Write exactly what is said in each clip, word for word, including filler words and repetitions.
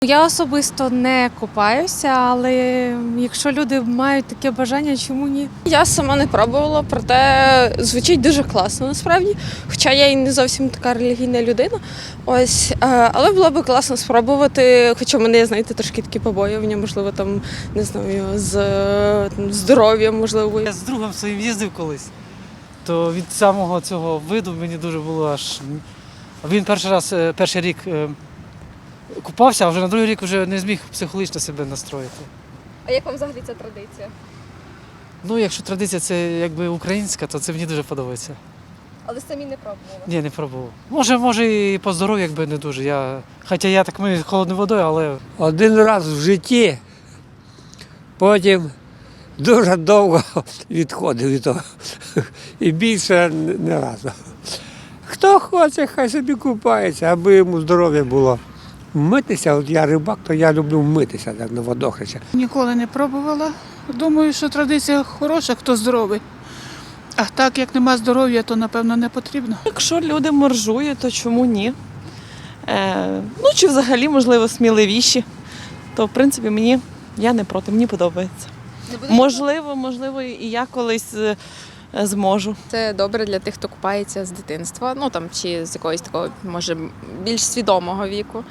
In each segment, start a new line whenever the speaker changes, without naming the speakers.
Я особисто не купаюся, але якщо люди мають таке бажання, чому ні?
Я сама не пробувала, проте звучить дуже класно насправді. Хоча я і не зовсім така релігійна людина. Ось, але було б класно спробувати, хоча в мене, знаєте, трошки такі побоювання, можливо, там, не знаю, з там, здоров'ям, можливо.
Я з другом своїм їздив колись, то від самого цього виду мені дуже було аж. Він перший раз, перший рік купався, а вже на другий рік вже не зміг психологічно себе настроїти.
А як вам взагалі ця традиція?
Ну, якщо традиція це якби українська, то це мені дуже подобається.
Але самі не пробували?
Ні, не пробував. Може, може і по здоров'ю якби не дуже. Я, хоча я так мию холодною водою, але
Один раз в житті, потім дуже довго відходив від того. І більше не разу. Хто хоче, хай собі купається, аби йому здоров'я було. Митися, от я рибак, то я люблю митися так, на водохреща.
Ніколи не пробувала. Думаю, що традиція хороша, хто здоровий. А так, як нема здоров'я, то, напевно, не потрібно.
Якщо люди моржують, то чому ні? Е, ну, чи взагалі, можливо, сміливіші, то, в принципі, мені, я не проти, мені подобається. Можливо, можливо, і я колись е, зможу.
Це добре для тих, хто купається з дитинства, ну там чи з якогось такого, може, більш свідомого віку.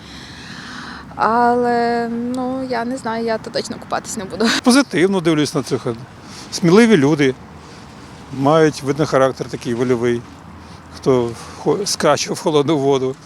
Але ну я не знаю, я то точно купатись не буду.
Позитивно дивлюсь на цих. Сміливі люди, мають, видно, характер такий вольовий, хто скаче в холодну воду.